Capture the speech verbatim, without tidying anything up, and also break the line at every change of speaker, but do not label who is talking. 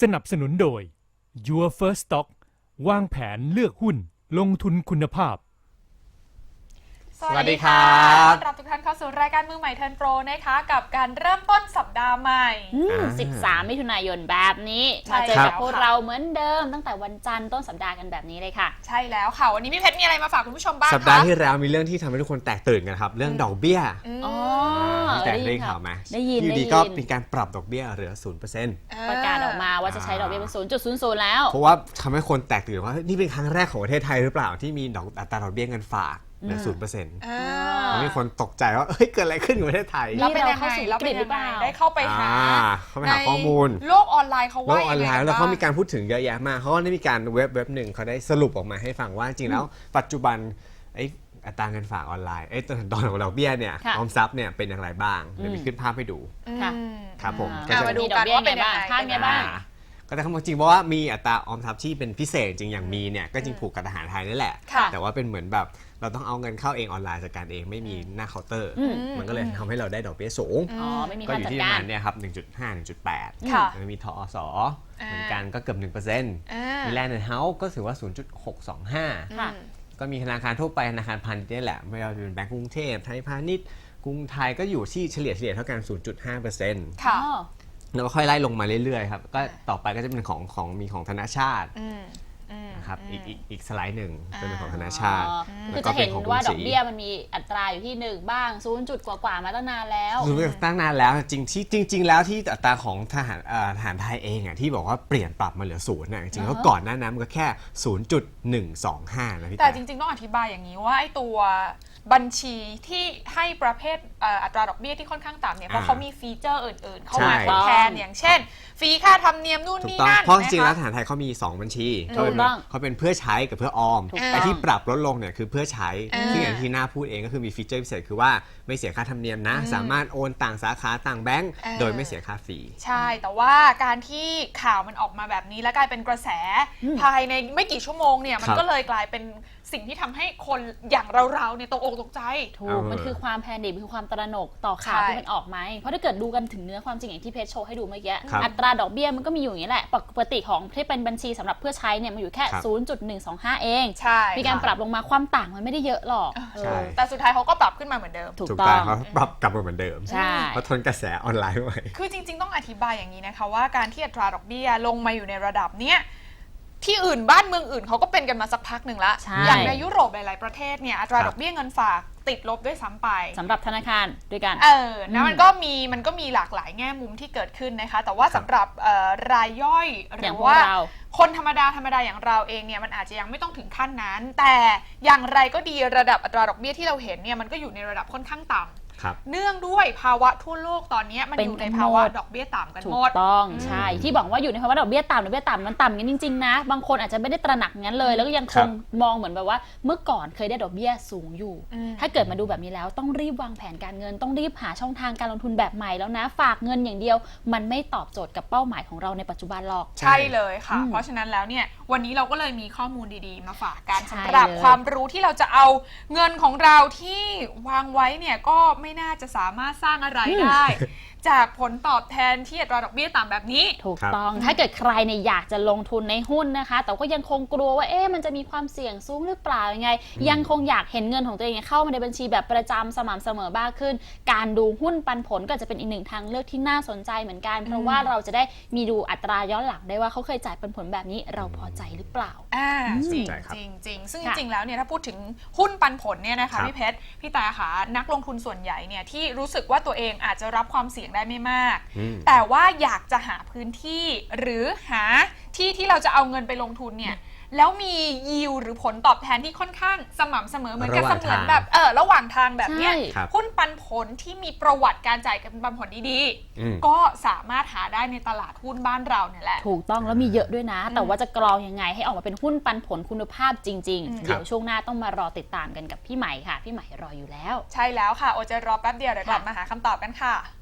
สนับสนุนโดย Your First Stock วางแผนเลือกหุ้นลงทุนคุณภาพ
สวัสดีครับต้อนรับทุกท่านเข้าสู่รายการมือใหม่เทิร์นโปรนะคะกับการเริ่มต้นสัปดาห์ใหม่
สิบสามมิถุนายนแบบนี้มาเจอกับพวกเราเหมือนเดิมตั้งแต่วันจันทร์ต้นสัปดาห์กันแบบนี้เลยค่ะ
ใช่แล้วค่ะวันนี้พี่เพชรมีอะไรมาฝากคุณผู้ชมบ้าง
สัปดาห์ที่แล้วมีเรื่องที่ทำให้ทุกคนแตกตื่นกันครับเรื่องดอกเบี้ย
อ๋อ
แต่ได้ข่าวไหม
ได้ยิน
อยู่ดีก็มีการปรับดอกเบี้ยเหลือ ศูนย์เปอร์เซ็นต์
ประกาศออกมาว่าจะใช้ดอกเบี้ยเป็น ศูนย์จุดศูนย์ศูนย์ แล้ว
เพราะว่าทำให้คนแตกตื่นว่านี่เป็นครั้งแรกของประเทศไทยหรือเปล่าที่มีดอกอัตราดอกเบี้ยเงินฝากเหลือ ศูนย์เปอร์เซ็นต์ มีคนตกใจว่าเฮ้ยเกิดอะไรขึ้นกับประเทศไทย
เราเป็นยังไงเราเป็นยังไงได้เข้าไปหา
เข้าไปหาข้อมูล
โลกออนไลน์เขาว่า
โลกออนไลน์แล้วเขามีการพูดถึงเยอะแยะมากเขาก็ได้มีการเว็บเว็บหนึ่งเขาได้สรุปออกมาให้ฟังว่าจริงแล้วปัจจุบันไอ้อัตราเงินฝากออนไลน์ไอ้ตอนตอนของดอกเบี้ยเนี่ยออมทรัพย์เนี่ยเป็นอย่างไรบ้างเดี๋ยวมีขึ้นภาพให้ดูครับผม
มาดูกันว่าเป็นยังไง
บ้าง
ก็แต่คำจริงเพราะว่ามีอัตราออมทรัพย์ที่เป็นพิเศษจริงอย่างมีเนี่ยก็จริงผูกกับทหารไทยนี่แหละแต่ว่าเป็นเหมือนแบบเราต้องเอาเงินเข้าเองออนไลน์จัดการเองไม่มีหน้าเคาน์เตอร์มันก็เลยทำให้เราได้ดอกเบี้ยสูงก็อยู่ที่ประมาณเนี่ยครับ หนึ่งจุดห้า หนึ่งจุดแปด มันมีทอสเหมือนกันก็เกือบ หนึ่งเปอร์เซ็นต์ มีแลนด์แอนด์เฮาส์ก็ถือว่า ศูนย์จุดหกสองห้า ก็มีธนาคารทั่วไปธนาคารพาณิชย์นี่แหละไม่ว่าจะเป็นแบงก์กรุงเทพไทยพาณิชย์กรุงไทยก็อยู่ที่เฉลี่ยเฉลี่ยเท่ากัน ศูนย์จุดห้าเปอร์เซ็นต์
ค่ะ
แล้วก็ค่อยไล่ลงมาเรื่อยๆครับก็ต่อไปก็จะเป็นของของมีของธนาชาตินะครับอีกอีกอีกสไลด์หนึ่งเป็นของธนาชาติ
คือจะเห็นว่าดอกเบี้ยมันมีอัตราอยู่ที่หนึ่งบ้างศูนย์จุดกว่าๆมาตั้งนานแล้ว
ศูนย์ตั้งนานแล้วจริงที่จริงๆแล้วที่อัตราของทหารทหารไทยเองอ่ะที่บอกว่าเปลี่ยนปรับมาเหลือศูนย์น่ะจริงๆแล้วก่อนหน้านั้นมันก็แค่ ศูนย์จุดหนึ่งสองห้า นะพี่
แต่จริงๆต้องอธิบายอย่างนี้ว่าไอ้ตัวบัญชีที่ให้ประเภทอัตราดอกเบี้ยที่ค่อนข้างต่ำเนี่ยเพราะเขามีฟีเจอร์อื่นๆเข้ามาทดแทนอย่างเช่นฟรีค่าธรรมเนียมนู่นนี่นั่น
เพราะจริงๆแล้วทหารไทยเขามีสองบัญชีเขาเป็นเขาเป็นเพื่อใช้กับเพื่อออมไอ้ที่ปรับลดลงเนี่ยคือเพื่อใช้ซึ่งอย่างที่หน้าพูดเองก็คือมีฟีเจอร์พิเศษคือว่าไม่เสียค่าธรรมเนียมนะสามารถโอนต่างสาขาต่างแบงก์โดยไม่เสียค่าฟรี
ใช่แต่ว่าการที่ข่าวมันออกมาแบบนี้แล้วกลายเป็นกระแสภายในไม่กี่ชั่วโมงเนี่ยมันก็เลยกลายเป็นสิ่งที่ทำให้คนอย่างเราๆเนี่ยตกอกตกใจ
ถูกมันคือความแพนิคมันคือความตระหนกต่อข่าวที่มันออกมาเพราะถ้าเกิดดูกันถึงเนื้อความจริงอย่างที่เพชรโชว์ให้ดูเมื่อกี้อัตราดอกเบี้ยมันก็มีอยู่อย่างนี้แหละปกติของที่เป็นบัญชีสำหรับเพื่อใช้เนี่ยมันอยู่แค่ ศูนย์จุดหนึ่งสองห้า เองมีการปรับลงมาความต่างมันไม่ได้เยอะหรอก
แต่สุดท้ายเขาก็ปรับขึ้นมาเหมือนเดิม
ถูกต้องเขาปรับกลับมาเหมือนเดิมเพราะทนกระแสออนไลน์ไว้
คือจริงๆต้องอธิบายอย่างนี้นะคะว่าการที่อัตราดอกเบี้ยลงมาอยู่ในระดับเนี้ยที่อื่นบ้านเมืองอื่นเขาก็เป็นกันมาสักพักหนึ่งละอย่างในยุโรปหลายๆประเทศเนี่ยอัตราดอกเบี้ยเงินฝากติดลบด้วยซ้ำไป
สำหรับธนาคารด้วยกัน
เออนะมันก็มีมันก็มีหลากหลายแง่มุมที่เกิดขึ้นนะคะแต่ว่าสำหรับรายย่อยหรือว่าคนธรรมดาธรรมดาอย่างเราเองเนี่ยมันอาจจะยังไม่ต้องถึงขั้นนั้นแต่อย่างไรก็ดีระดับอัตราดอกเบี้ยที่เราเห็นเนี่ยมันก็อยู่ในระดับค่อนข้างต่ำเนื่องด้วยภาวะทั่วโลกตอนนี้มันอยู่ในภาวะดอกเบี้ยต่ำกันหมด
ถูกต้องใช่ที่บอกว่าอยู่ในภาวะดอกเบี้ยต่ำดอกเบี้ยต่ำมันต่ำกันจริงๆนะบางคนอาจจะไม่ได้ตระหนักงั้นเลยแล้วก็ยังคงมองเหมือนแบบว่าเมื่อก่อนเคยได้ดอกเบี้ยสูงอยู่ถ้าเกิดมาดูแบบนี้แล้วต้องรีบวางแผนการเงินต้องรีบหาช่องทางการลงทุนแบบใหม่แล้วนะฝากเงินอย่างเดียวมันไม่ตอบโจทย์กับเป้าหมายของเราในปัจจุบันหรอก
ใช่เลยค่ะเพราะฉะนั้นแล้วเนี่ยวันนี้เราก็เลยมีข้อมูลดีๆมาฝากกันสำหรับความรู้ที่เราจะเอาเงินของเราที่วางไว้เนี่ยก็ไม่น่าจะสามารถสร้างอะไรได้จากผลตอบแทนที่อัตราดอกเบี้ยต่ำแบบนี้
ถูกต้องถ้าเกิดใครเนี่ยอยากจะลงทุนในหุ้นนะคะแต่ก็ยังคงกลัวว่าเอ๊ะมันจะมีความเสี่ยงสูงหรือเปล่ายังไงยังคงอยากเห็นเงินของตัวเองเข้ามาในบัญชีแบบประจำสม่ำเสมอบ้างขึ้นการดูหุ้นปันผลก็จะเป็นอีกหนึ่งทางเลือกที่น่าสนใจเหมือนกันเพราะว่าเราจะได้มีดูอัตราย้อนหลังได้ว่าเขาเคยจ่ายปันผลแบบนี้เราพอใจหรือเปล่า
อ่าจริงจริงจริงซึ่งจริงๆแล้วเนี่ยถ้าพูดถึงหุ้นปันผลเนี่ยนะคะพี่เพชรพี่ตาค่ะนักลงทุนส่วนใหญ่เนี่ยที่รู้สึกว่าตัวเองอาจจะรับความเสี่ยงได้ไม่มากแต่ว่าอยากจะหาพื้นที่หรือหาที่ที่เราจะเอาเงินไปลงทุนเนี่ยแล้วมียิวหรือผลตอบแทนที่ค่อนข้างสม่ำเสมอเหมือนกับเสมือนแบบเออระหว่างทางแบบเนี้ยหุ้นปันผลที่มีประวัติการจ่ายปันผลดีๆก็สามารถหาได้ในตลาดหุ้นบ้านเราเนี่ยแหละ
ถูกต้องแล้วมีเยอะด้วยนะแต่ว่าจะกรองยังไงให้ออกมาเป็นหุ้นปันผลคุณภาพจริงๆเดี๋ยวช่วงหน้าต้องมารอติดตามกันกับพี่ใหม่ค่ะพี่ใหม่รออยู่แล้ว
ใช่แล้วค่ะโอจะรอแป๊บเดียวเดี๋ยวกลับมาหาคำตอบกันค่ะ